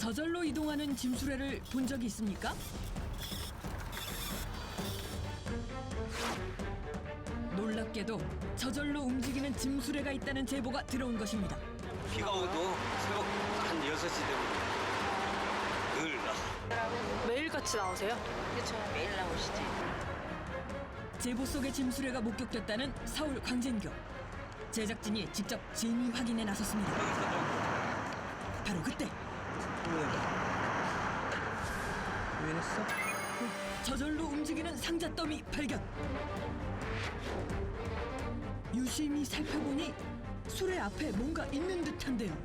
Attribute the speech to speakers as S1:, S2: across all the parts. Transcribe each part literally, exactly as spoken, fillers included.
S1: 저절로 이동하는 짐수레를 본 적이 있습니까? 놀랍게도 저절로 움직이는 짐수레가 있다는 제보가 들어온 것입니다.
S2: 비가 오도 새벽 한 여섯 시 되면 늘 나.
S3: 매일같이 나오세요?
S4: 그렇죠. 매일 나오시지.
S1: 제보 속의 짐수레가 목격됐다는 서울 광진교. 제작진이 직접 진위 확인에 나섰습니다. 바로 그때
S2: 왜 했어?
S1: 저절로 움직이는 상자 더미 발견. 유심히 살펴보니 수레 앞에 뭔가 있는 듯한데요.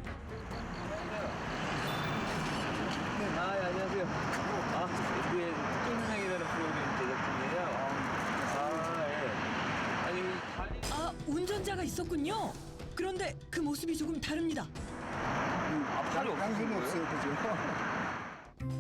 S5: 네, 아, 예, 안녕하세요. 아, 에스비에스 특종상이라는 프로그램 제작진이에요. 아, 예. 아니, 다리...
S1: 아, 운전자가 있었군요. 그런데 그 모습이 조금 다릅니다.
S5: 아, 팔이
S6: 양손이
S5: 없어요,
S6: 그죠?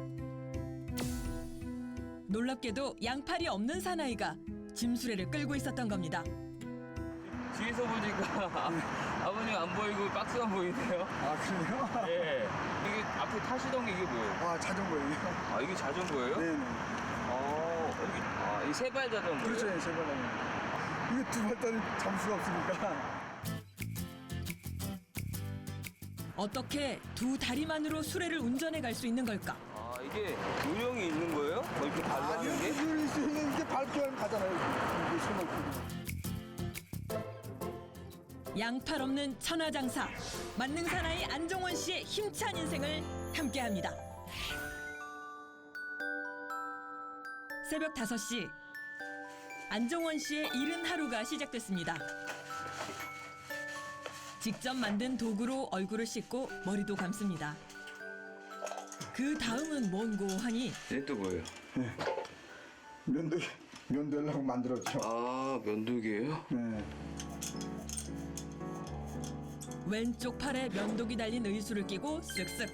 S1: 놀랍게도 양팔이 없는 사나이가 짐수레를 끌고 있었던 겁니다.
S5: 뒤에서 보니까 아버님 안 보이고 박스만 보이네요.
S6: 아, 그래요?
S5: 예. 이게 앞에 타시던 게 이게 뭐예요?
S6: 아, 자전거예요.
S5: 아, 이게 자전거예요?
S6: 네네.
S5: 어, 여기, 아, 이 세발 자전거예요?
S6: 그렇죠, 예, 제발. 이게 두 발단이 잠수가 없으니까.
S1: 어떻게 두 다리만으로 수레를 운전해 갈 수 있는 걸까?
S5: 아, 이게 요령이 있는 거예요? 뭐 이렇게 발로
S6: 아,
S5: 하는 게?
S6: 이게 수 있는 게 밟기만 가잖아요. 이게 손을.
S1: 양팔 없는 천하장사 만능 사나이 안종원 씨의 힘찬 인생을 함께합니다. 새벽 다섯 시 안종원 씨의 이른 하루가 시작됐습니다. 직접 만든 도구로 얼굴을 씻고 머리도 감습니다. 그 다음은 뭔고 하니
S5: 얘 또 뭐예요?
S6: 면도, 면도하려고 만들었죠.
S5: 아, 면도기예요?
S6: 네.
S1: 왼쪽 팔에 면도기 달린 의수를 끼고 쓱쓱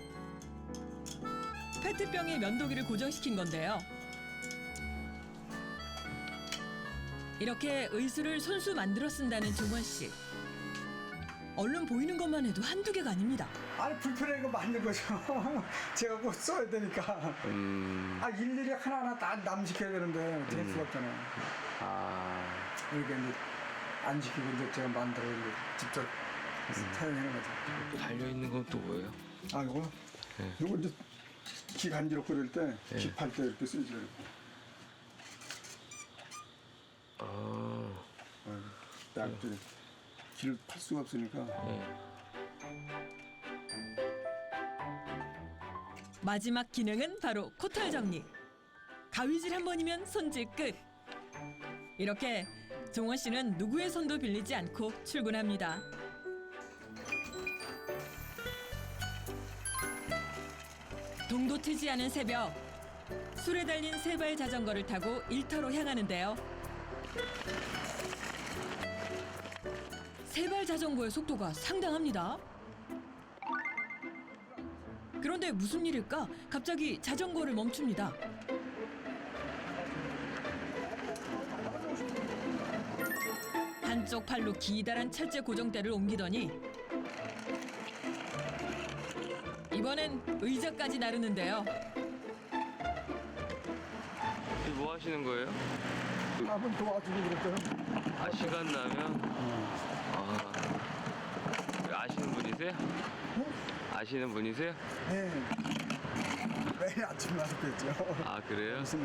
S1: 페트병에 면도기를 고정시킨 건데요. 이렇게 의수를 손수 만들어 쓴다는 종원 씨. 얼른 보이는 것만 해도 한두 개가 아닙니다.
S6: 아니, 불편해 이거 만든 거죠. 제가 꼭 써야 되니까.
S5: 음,
S6: 아, 일일이 하나하나 다 남시켜야 되는데, 될 수가 없잖아요.
S5: 아.
S6: 그러니까 이제 안 시키고 이제 제가 만들어 이제 직접 사용하는 거죠.
S5: 달려있는 건 또 뭐예요?
S6: 아, 이거?
S5: 네.
S6: 이거 이제 기 간지럽 끓일 때,
S5: 네.
S6: 기팔 때 이렇게 쓰죠.
S5: 아,
S6: 딱 이제 기를 팔 수가 없으니까.
S5: 네.
S1: 마지막 기능은 바로 코털 정리. 가위질 한 번이면 손질 끝. 이렇게 종원 씨는 누구의 손도 빌리지 않고 출근합니다. 동도 트지 않은 새벽, 술에 달린 세발 자전거를 타고 일터로 향하는데요. 세발 자전거의 속도가 상당합니다. 그런데 무슨 일일까? 갑자기 자전거를 멈춥니다. 한쪽 팔로 기다란 철제 고정대를 옮기더니 이번엔 의자까지 나르는데요.
S5: 이거 뭐 하시는 거예요?
S6: 한번 도와주고 그랬더니.
S5: 아, 시간 나면? 아, 아시는 분이세요? 아시는 분이세요?
S6: 네. 매일 아침 나서 뵀죠.
S5: 아, 그래요?
S6: 무슨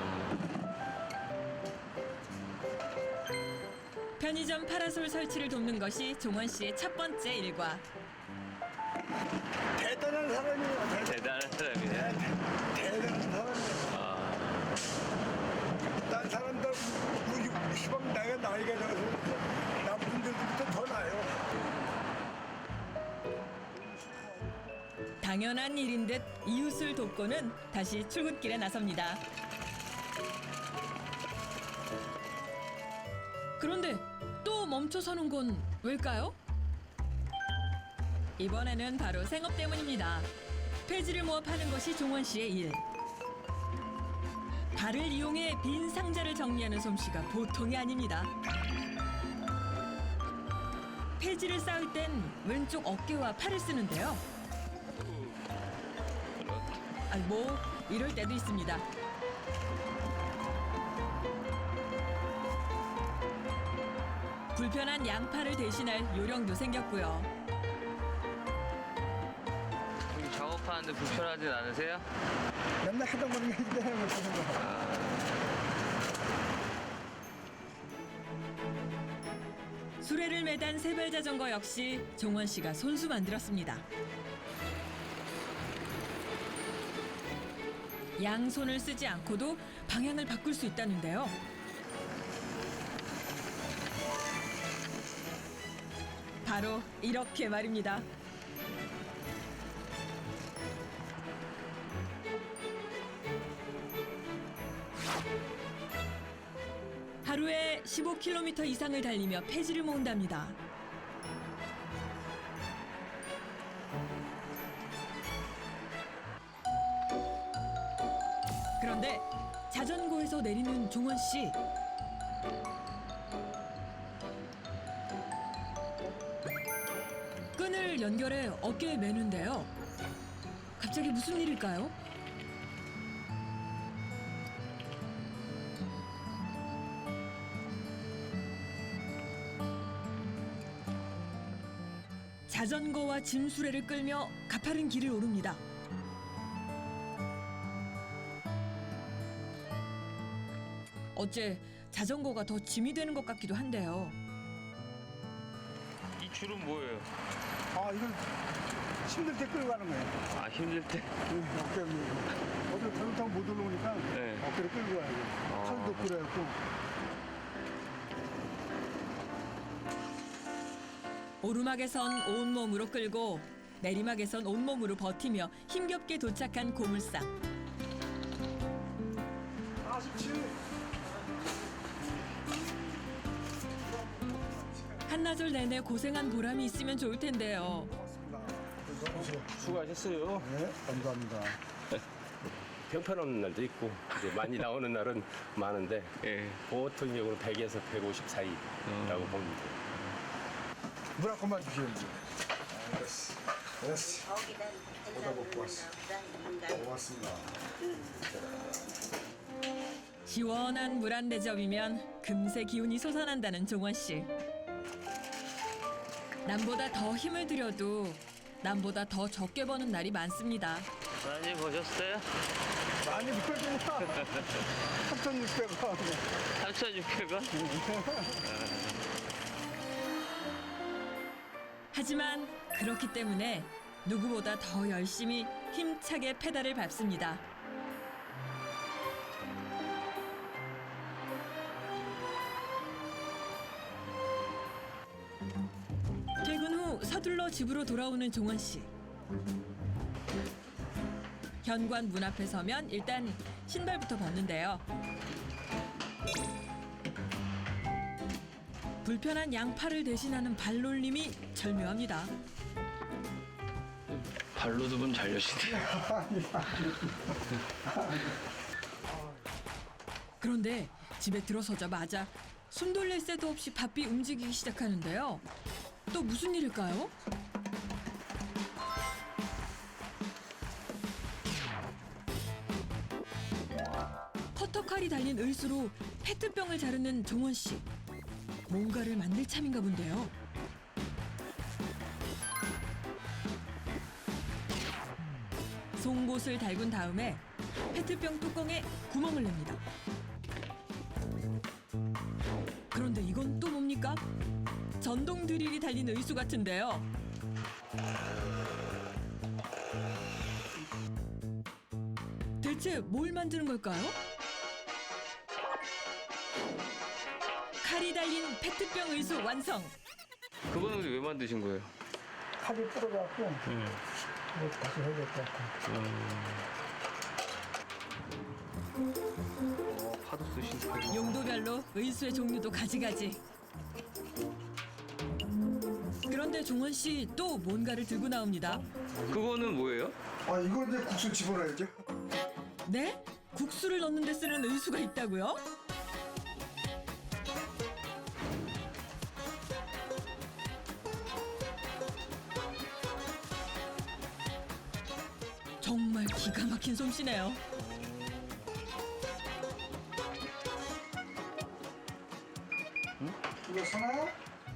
S1: 편의점 파라솔 설치를 돕는 것이 종원 씨의 첫 번째 일과.
S6: 대단한 사람이에요. 대,
S5: 대단한 사람이네.
S6: 대단한 사람이에요.
S5: 아,
S6: 딴 사람들 우리 시방 나이가 나이가 적어서 남분들부터 더 나요.
S1: 당연한 일인 듯 이웃을 돕고는 다시 출근길에 나섭니다. 그런데 또 멈춰서는 건 왜일까요? 이번에는 바로 생업 때문입니다. 폐지를 모아 파는 것이 종원 씨의 일. 발을 이용해 빈 상자를 정리하는 솜씨가 보통이 아닙니다. 폐지를 쌓을 땐 왼쪽 어깨와 팔을 쓰는데요. 아, 뭐 이럴 때도 있습니다. 불편한 양파를 대신할 요령도 생겼고요.
S5: 여기 작업하는데 불편하진 않으세요?
S6: 맨날 하던 거는 이제 해야 못하는 거.
S1: 수레를 매단 세발 자전거 역시 종원 씨가 손수 만들었습니다. 양손을 쓰지 않고도 방향을 바꿀 수 있다는데요. 바로 이렇게 말입니다. 하루에 십오 킬로미터 이상을 달리며 폐지를 모은답니다. 그런데 자전거에서 내리는 종원 씨. 끈을 연결해 어깨에 매는데요. 갑자기 무슨 일일까요? 자전거와 짐수레를 끌며 가파른 길을 오릅니다. 어째 자전거가 더 짐이 되는 것 같기도 한데요.
S5: 이 줄은 뭐예요?
S6: 아, 이건 힘들 때 끌고 가는 거예요.
S5: 아 힘들 때?
S6: 어깨 밀고. 어디 잘못하면 못 올라오니까
S5: 네.
S6: 어깨를 끌고 가야 돼.
S5: 아.
S6: 팔도 끌어야고.
S1: 오르막에선 온몸으로 끌고 내리막에선 온몸으로 버티며 힘겹게 도착한 고물상.
S6: 사십칠.
S1: 한나절 내내 고생한 보람이 있으면 좋을 텐데요.
S2: 수고하셨어요.
S6: 네, 감사합니다.
S2: 평편없는 날도 있고 이제 많이 나오는 날은 많은데
S5: 예.
S2: 보통 경우는 백에서 백오십 사이라고 보면 돼요.
S6: 물 한 컵만 주시면 돼요. 알았어. 알았어. 오다 먹고 왔어. 고맙습니다.
S1: 시원한 물 한 대접이면 금세 기운이 솟아난다는 종원 씨. 남보다 더 힘을 들여도 남보다 더 적게 버는 날이 많습니다.
S5: 많이 보셨어요?
S6: 많이 물어주냐? 삼천육백 원.
S5: 삼천육백 원?
S1: 하지만 그렇기 때문에 누구보다 더 열심히 힘차게 페달을 밟습니다. 퇴근 후 서둘러 집으로 돌아오는 종원 씨. 현관 문 앞에 서면 일단 신발부터 벗는데요. 불편한 양팔을 대신하는 발놀림이 절묘합니다.
S5: 발로 두 번 잘 여시네요.
S1: 그런데 집에 들어서자마자 숨 돌릴 새도 없이 바삐 움직이기 시작하는데요. 또 무슨 일일까요? 커터칼이 달린 을수로 페트병을 자르는 종원 씨. 뭔가를 만들 참인가 본데요. 송곳을 달군 다음에 페트병 뚜껑에 구멍을 냅니다. 그런데 이건 또 뭡니까? 전동 드릴이 달린 의수 같은데요. 대체 뭘 만드는 걸까요? 칼이 달린 페트병 의수 완성!
S5: 그거는 왜 만드신 거예요?
S6: 칼이 부러져갖고 이거 다시 해야 될 것 같아.
S5: 어, 파도 쓰신
S1: 용도별로 의수의 종류도 가지가지. 그런데 종원 씨 또 뭔가를 들고 나옵니다.
S5: 그거는 뭐예요?
S6: 아, 이거 이제 국수 집어넣어야죠.
S1: 네? 국수를 넣는 데 쓰는 의수가 있다고요? 정말 기가 막힌 솜씨네요.
S6: 이거 선아야?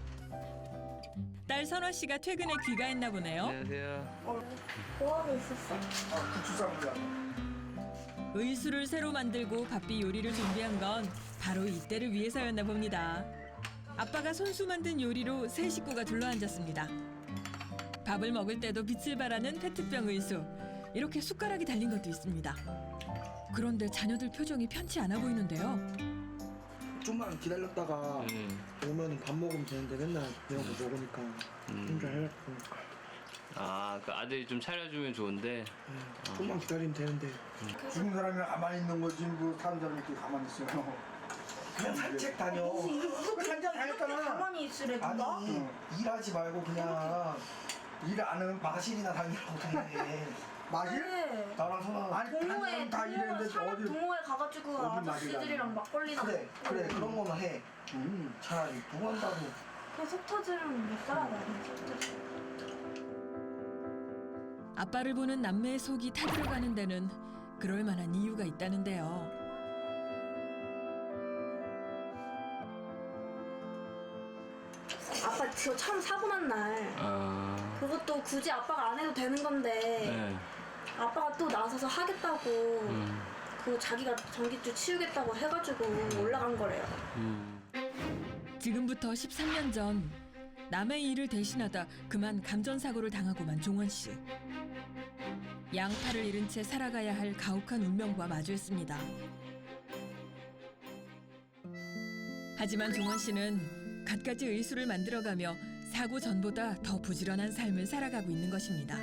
S1: 딸 선화 씨가 퇴근에 귀가했나 보네요.
S5: 안녕하세요.
S3: 뭐하고 있었어?
S6: 아, 부추쌈이야.
S1: 의수를 새로 만들고 바삐 요리를 준비한 건 바로 이때를 위해서였나 봅니다. 아빠가 손수 만든 요리로 세 식구가 둘러앉았습니다. 밥을 먹을 때도 빛을 발하는 페트병 의수. 이렇게 숟가락이 달린 것도 있습니다. 그런데 자녀들 표정이 편치 않아 보이는데요.
S4: 좀만 기다렸다가
S5: 음.
S4: 오면 밥 먹으면 되는데 맨날 이런 거 먹으니까 혼자 해갖고
S5: 아, 그 아들이 좀 차려주면 좋은데.
S4: 음, 좀만 기다리면 되는데
S6: 죽은 사람이 가만히 있는 거지 뭐 사는 사람이 이렇게 가만히 있어요.
S4: 그냥 산책 다녀.
S3: 이렇게
S4: 산책 다녔잖아.
S3: 가만히 있으래 누가?
S4: 아니 일하지 말고 그냥
S6: 일 안 하는
S4: 마실이나 다니라고 해.
S6: 마실?
S3: 네.
S4: 나랑 선아
S6: 아니
S3: 동호회
S6: 다니면 다
S3: 동호회
S6: 일했는데
S3: 산업
S6: 어디
S3: 동호회 가가지고
S6: 어디
S3: 아저씨들이랑 막걸리나
S4: 그래 그래 그런 거만 해.
S6: 음.
S4: 차라리 뭐 한다고.
S3: 그냥 속 터지면 못 살아 나는 속 터지.
S1: 아빠를 보는 남매의 속이 타들어가는 데는 그럴 만한 이유가 있다는데요.
S3: 아빠 저 참 사고 난 날
S5: 아.
S3: 그것도 굳이 아빠가 안 해도 되는 건데
S5: 네.
S3: 아빠가 또 나서서 하겠다고
S5: 음.
S3: 그 자기가 전기줄 치우겠다고 해가지고 올라간 거래요.
S5: 음.
S1: 지금부터 십삼 년 전 남의 일을 대신하다 그만 감전사고를 당하고만 종원 씨. 양팔을 잃은 채 살아가야 할 가혹한 운명과 마주했습니다. 하지만 종원 씨는 갖가지 의수를 만들어가며 사고 전보다 더 부지런한 삶을 살아가고 있는 것입니다.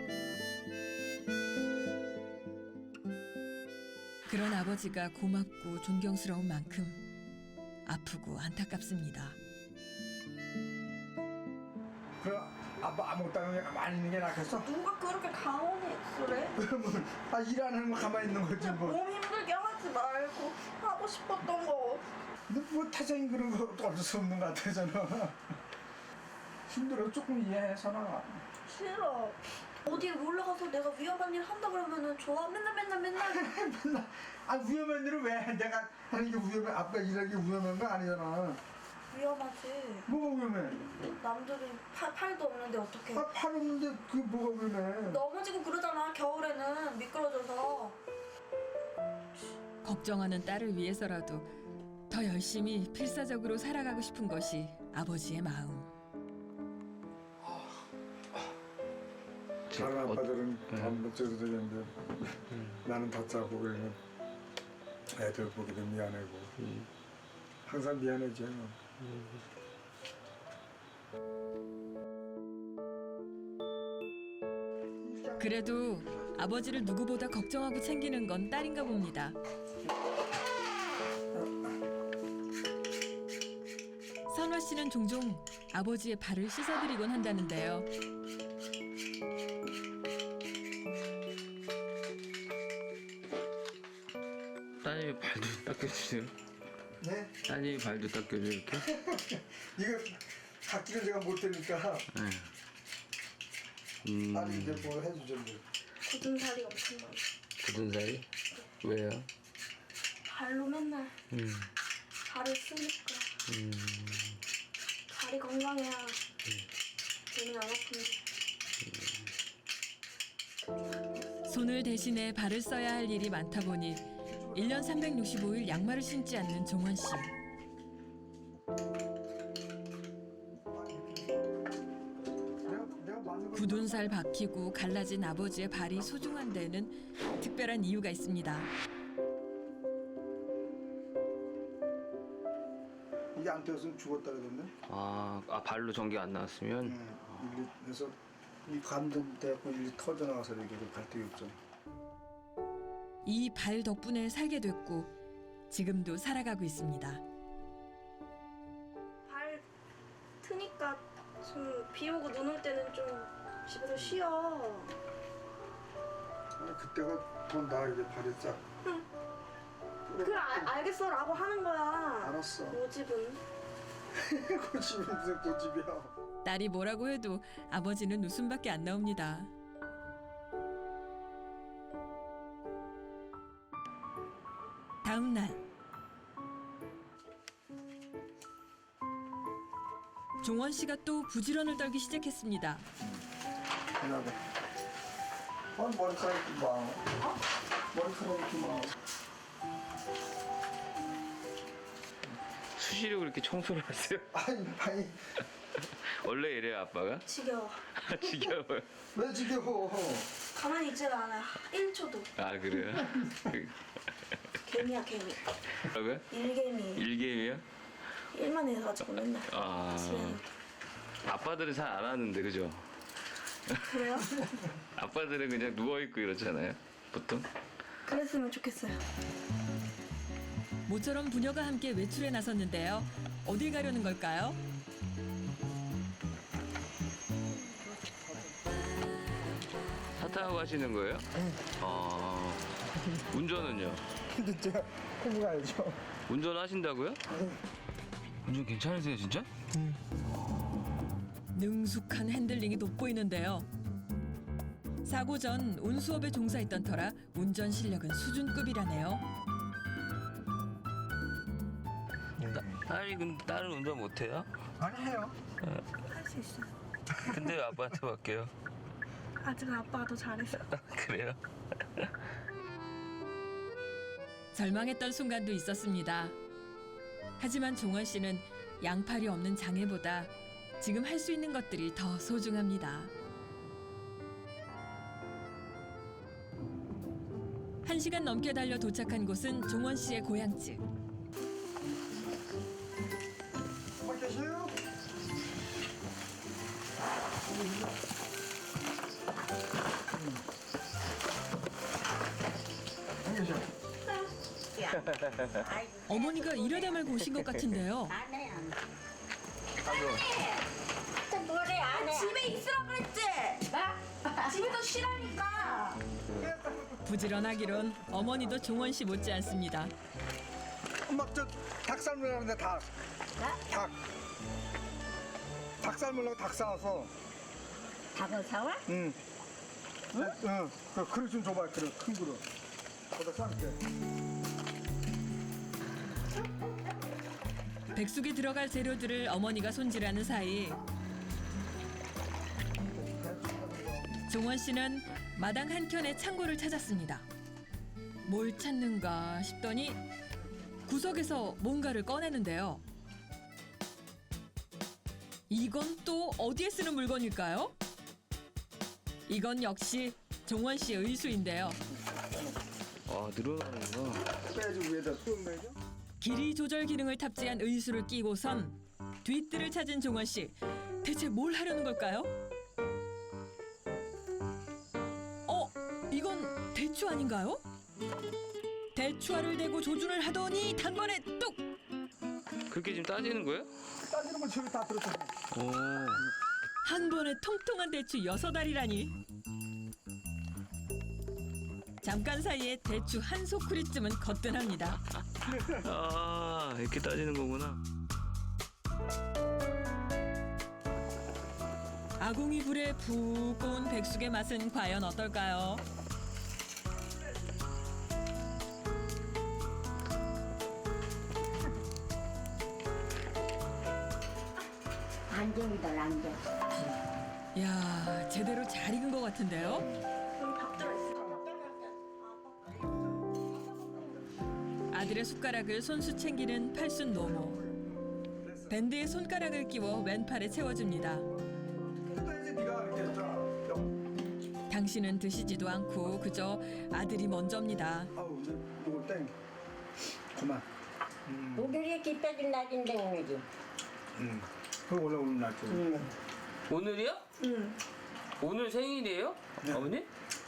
S1: 그런 아버지가 고맙고 존경스러운 만큼 아프고 안타깝습니다.
S6: 그럼 아빠 아무것도 안 하는 게 가만히 있는 게 낫겠어?
S3: 누가 그렇게 가만히 있으래?
S6: 그러면 아, 일 안 하는 거 가만히 있는 거지 뭐.
S3: 몸 힘들게 하지 말고 하고 싶었던 거.
S6: 근데 뭐 태생이 그런 거 어쩔 수 없는 것 같아잖아. 힘들어 조금 이해해 선아.
S3: 싫어. 어디에 올라가서 내가 위험한 일 한다 그러면은 좋아. 맨날 맨날 맨날.
S6: 맨날 아 위험한 일을 왜 해? 내가 하는 게 위험해? 아빠 일하는 게 위험한 거 아니잖아.
S3: 위험하지.
S6: 뭐가 위험해?
S3: 남들이 팔, 팔도 없는데 어떡해.
S6: 아, 팔 없는데 그게 뭐가 위험해?
S3: 넘어지고 그러잖아. 겨울에는 미끄러져서.
S1: 걱정하는 딸을 위해서라도 더 열심히 필사적으로 살아가고 싶은 것이 아버지의 마음.
S6: 다른
S5: 어,
S6: 아빠들은
S5: 네.
S6: 밥 먹지도 되는데 나는 다 짜고 그러면 애들 보기도 미안하고 항상 미안해져.
S1: 그래도 아버지를 누구보다 걱정하고 챙기는 건 딸인가 봅니다. 선화 씨는 종종 아버지의 발을 씻어드리곤 한다는데요.
S5: 따님이 발도 닦여주세요.
S4: 네?
S5: 따님이 발도 닦여줘 이렇게.
S6: 이거 닦기를 제가 못하니까
S5: 네. 음.
S6: 딸이 이제 뭐 해주죠. 뭐.
S3: 굳은 살이 엄청 많아.
S5: 굳은 살이? 왜요?
S3: 발로 맨날
S5: 음.
S3: 발을 쓰니까.
S5: 음.
S3: 발이 건강해야 몸이 안 아픈데.
S1: 손을 대신해 발을 써야 할 일이 많다 보니 일 년 삼백육십오 일 양말을 신지 않는 종원 씨.
S6: 내가 내가 맞는 거.
S1: 굳은 살 박히고 갈라진 아버지의 발이 소중한 데는 특별한 이유가 있습니다.
S6: 이게 안 되었으면 죽었다 그러던데.
S5: 아, 아 발로 전기 안 나왔으면.
S6: 네, 일리 그래서 이 감전 때고 일리 터져 나와서 이게 갈등이 없잖아.
S1: 이 발 덕분에 살게 됐고 지금도 살아가고 있습니다.
S3: 발 트니까 좀 비 오고 눈 올 때는 좀 집에서 쉬어.
S6: 아, 그때가 더 나아 이제 발이 싹.
S3: 그래 알, 알겠어라고 하는 거야.
S6: 알았어.
S3: 고집은.
S6: 고집이 무슨 고집이야.
S1: 딸이 뭐라고 해도 아버지는 웃음밖에 안 나옵니다. 다음 날 종원 씨가 또 부지런을 떨기 시작했습니다.
S6: 그나마. 어, 머리카락 좀 봐. 어? 머리카락 좀 봐.
S5: 수시로 그렇게 청소를 하세요?
S6: 아니, 아니,
S5: 원래 이래요 아빠가?
S3: 지겨워.
S5: 지겨워요.
S6: 왜 지겨워?
S3: 가만히 있지를 않아요. 일 초도.
S5: 아 그래요?
S3: 개미야 개미.
S5: 뭐라고요?
S3: 일개미.
S5: 일개미요?
S3: 일만 해가지고 맨날.
S5: 아
S3: 집에.
S5: 아빠들은 잘 안 하는데 그죠?
S3: 그래요?
S5: 아빠들은 그냥 누워있고 이러잖아요 보통.
S3: 그랬으면 좋겠어요.
S1: 모처럼 부녀가 함께 외출에 나섰는데요. 어딜 가려는 걸까요?
S5: 차 타고 가시는 거예요? 응. 아 운전은요?
S6: 근데 제가 해보 가야죠.
S5: 운전하신다고요? 운전 괜찮으세요 진짜?
S1: 능숙한 핸들링이 돋보이는데요. 사고 전 운수업에 종사했던 터라 운전 실력은 수준급이라네요.
S5: 딸이 근데 딸은 운전 못해요?
S6: 아니, 해요.
S3: 할 수 있어요.
S5: 근데 왜 아빠한테 맡겨요?
S3: 아직은 아빠가 더 잘해서.
S5: 그래요?
S1: 절망했던 순간도 있었습니다. 하지만 종원 씨는 양팔이 없는 장애보다 지금 할 수 있는 것들이 더 소중합니다. 한 시간 넘게 달려 도착한 곳은 종원 씨의 고향집.
S6: 뭐 계세요? 안 계셔.
S1: 어머니가 이러다 말고 오신 것 같은데요.
S7: 안 해. 또 뭐래 안 해.
S3: 집에 있으라 그랬지?
S7: 나?
S3: 집에서 쉬라니까.
S1: 부지런하기론 어머니도 종원 씨 못지 않습니다.
S6: 엄마, 저 닭 삶으려고 하는데 닭. 닭. 닭 삶으려고 닭 사와서.
S7: 닭을 사와?
S6: 응. 응? 응. 그 그릇 좀 줘봐, 그릇. 큰 그릇. 거기다 쌀게.
S1: 백숙에 들어갈 재료들을 어머니가 손질하는 사이 종원 씨는 마당 한켠에 창고를 찾았습니다. 뭘 찾는가 싶더니 구석에서 뭔가를 꺼내는데요. 이건 또 어디에 쓰는 물건일까요? 이건 역시 종원 씨의 의수인데요.
S5: 아 늘어나는구나.
S6: 빼야지, 위에다 쑥 내죠.
S1: 길이 조절 기능을 탑재한 의수를 끼고선 뒷뜰을 찾은 종원 씨. 대체 뭘 하려는 걸까요? 어? 이건 대추 아닌가요? 대추알을 대고 조준을 하더니 단번에 뚝!
S5: 그렇게 지금 따지는 거예요?
S6: 따지는 건 저기 다 들었잖아.
S5: 오.
S1: 한 번에 통통한 대추 여섯 알이라니. 잠깐 사이에 대추 한 소쿠리쯤은 거뜬합니다.
S5: 아 이렇게 따지는 거구나.
S1: 아궁이 불에 푹 구운 백숙의 맛은 과연 어떨까요?
S7: 안정이다 안정.
S1: 이야, 제대로 잘 익은 것 같은데요?
S3: 여기 밥 들어있어.
S1: 아들의 숟가락을 손수 챙기는 팔순 노모. 밴드에 손가락을 끼워 왼팔에 채워줍니다.
S6: 그래야지 네가 이렇게 자.
S1: 당신은 드시지도 않고 그저 아들이 먼저입니다.
S6: 아우, 이제 이거 땡. 그만. 음.
S7: 오늘이 기뻐진 날인데 오늘이.
S6: 음. 그 원래 오늘 날짜.
S7: 응.
S5: 오늘이요?
S3: 응.
S5: 오늘 생일이에요?
S6: 네.
S5: 어머니?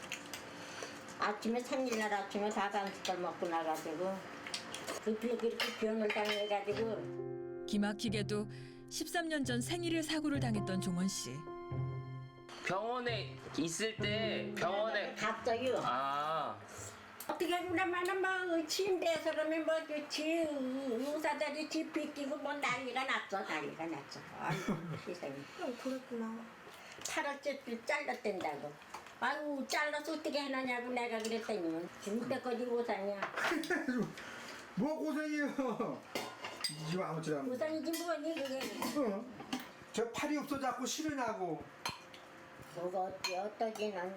S7: 아침에 생일날 아침에 다간식을 먹고 나가지고 급히 그렇게 변을 당해가지고
S1: 기막히게도 십삼 년 전 생일에 사고를 당했던 종원 씨.
S5: 병원에 있을 때 병원에
S7: 갔어요.
S5: 아
S7: 어떻게 그러면은 뭐 침대에서 그러면 뭐 지 의사들이 집 비끼고 뭐 난리가 났어 난리가 났어. 아이고 세상에.
S3: 어, 그랬구나.
S7: 팔을 쭉 잘랐댄다고. 아유 잘라서 어떻게 해놨냐고 내가 그랬더니 지금때까지 못 샀냐.
S6: 뭐 고생이에요. 지금 아무튼 안.
S7: 우선이지 뭐니 그게.
S6: 어. 저 팔이 없어 자꾸 실이 나고.
S7: 뭐가 어찌 어떠지 난.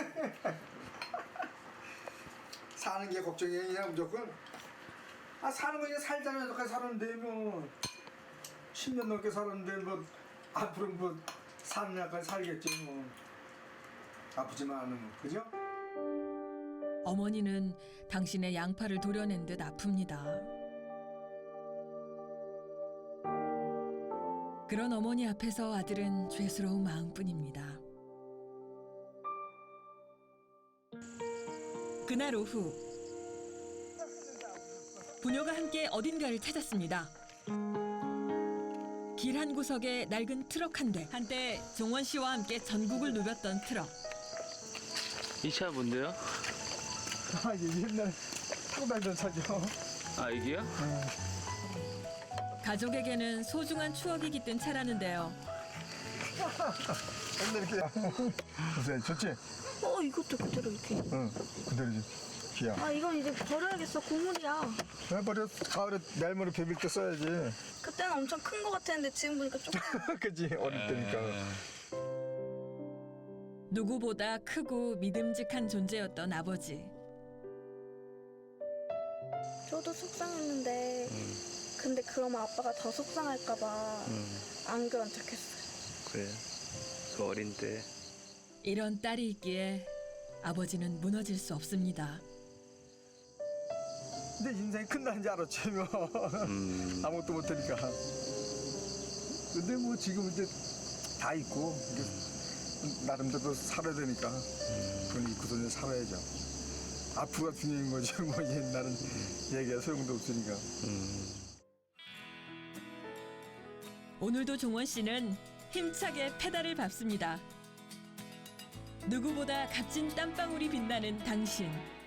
S6: 사는 게 걱정이야 그냥 무조건. 아 사는 거 그냥 살자면 여태까지 살았는데 뭐 십 년 넘게 살았는데 뭐 앞으로 뭐 사는 날까지 살겠지 뭐. 아프지만 않으면 그죠?
S1: 어머니는 당신의 양팔을 도려낸 듯 아픕니다. 그런 어머니 앞에서 아들은 죄스러운 마음뿐입니다. 그날 오후 부녀가 함께 어딘가를 찾았습니다. 길 한 구석에 낡은 트럭 한 대. 한때 종원 씨와 함께 전국을 누볐던 트럭.
S5: 이 차 뭔데요?
S6: 아 이게 옛날에 타고 다니던 차죠.
S5: 아 이게요?
S1: 가족에게는 소중한 추억이 깃든 차라는데요.
S6: 근데 이렇게 무슨 좋지?
S3: 어 이것도 그대로 이렇게.
S6: 응 그대로지. 기야.
S3: 아 이건 이제 버려야겠어. 고물이야.
S6: 왜 버려? 가을에 내일모레 비빌 때 써야지.
S3: 그때는 엄청 큰 거 같았는데 지금 보니까 조금.
S6: 그지 어릴 때니까.
S1: 누구보다 크고 믿음직한 존재였던 아버지.
S3: 저도 속상했는데 근데 그러면 아빠가 더 속상할까봐 안 그런 척했어요.
S5: 그래. 그 어린 때.
S1: 이런 딸이 있기에 아버지는 무너질 수 없습니다.
S6: 근데 인생이 끝나는 줄 알았지 뭐.
S5: 음.
S6: 아무것도 못하니까. 근데 뭐 지금 이제 다 있고 이제 나름대로 살아야 되니까 그건 잊고서 이제 살아야죠. 앞으로가 중요한 거지 뭐 옛날은 얘기가 소용도 없으니까.
S5: 음.
S1: 오늘도 종원 씨는 힘차게 페달을 밟습니다. 누구보다 값진 땀방울이 빛나는 당신.